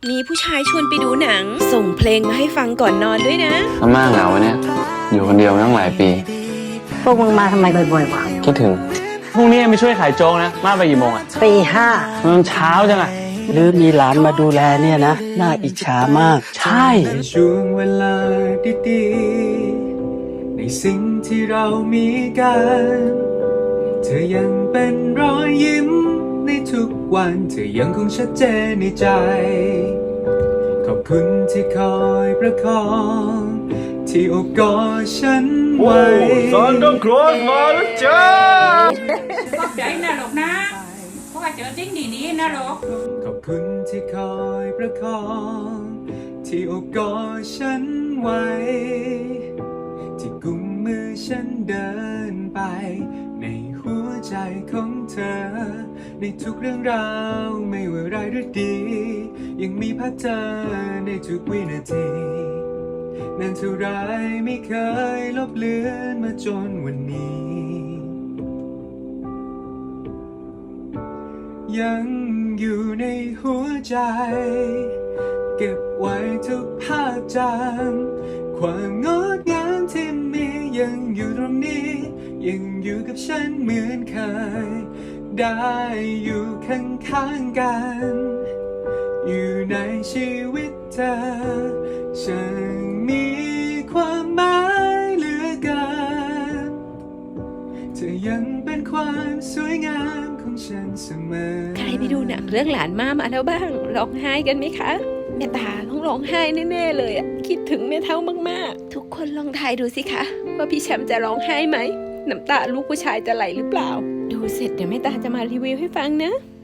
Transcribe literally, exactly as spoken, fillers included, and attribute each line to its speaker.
Speaker 1: มีผู้ชายชวนไปดูหนังส่งเพลงมาให้ฟังก่อนนอนด้วยนะ
Speaker 2: อาม่าเหงาเนี่ยอยู่คนเดียวมาตั้งหลายปี
Speaker 3: พวกมึงมาทำไมบ่อยๆวะ
Speaker 2: คิดถึง
Speaker 4: พรุ่งนี้ไม่ช่วยขายโจ๊กนะมาไปกี่โมงอ่ะ
Speaker 3: ตีห้า
Speaker 4: มันเช้าจังอ่ะ
Speaker 3: หรือมีหลานมาดูแลเนี่ยนะน่าอิจฉามาก
Speaker 4: ใช่
Speaker 5: ในช่วงเวลาดีๆในสิ่งที่เรามีกันเธอยังเป็นรอยยิ้มในทุกวันเธอยังคงชัดเจนในใจขอบคุณที่คอยประคองที่โอบกอดฉันไว้
Speaker 6: ซานตาคลอสมาแล้วจ้า
Speaker 7: ขอบใจนะลูกนะเพราะว่าเจอสิ่งดีๆนะลูก
Speaker 5: ขอบคุณที่คอยประคองที่โอบกอดฉันไว้ที่กุมมือฉันเดินไปในหัวใจของเธอในทุกเรื่องราวไม่ว่าร้ายหรือดียังมีภาพเธอในทุกวินาทีนานเท่าไรไม่เคยลบเลือนมาจนวันนี้ยังอยู่ในหัวใจเก็บไว้ทุกภาพจำความงดงามที่มียังอยู่ตรงนี้ยังอยู่กับฉันเหมือนเคยได้อยู่ข้างๆกันอยู่ในชีวิตเธอฉันมีความหมายเหลือเกินเธอยังเป็นความสวยงามของฉันเสมอ
Speaker 1: ใครไปดูหนังเรื่องหลานม่ามาแล้วบ้างร้องไห้กันไหมคะแม่ตาต้องร้องไห้แน่ๆเลยอะคิดถึงแม่เท่ามากๆทุกคนลองทายดูสิคะว่าพี่แชมป์จะร้องไห้ไหมน้ำตาลูกผู้ชายจะไหลหรือเปล่าดูเสร็จเดี๋ยวแม่ตาจะมารีวิวให้ฟังนะ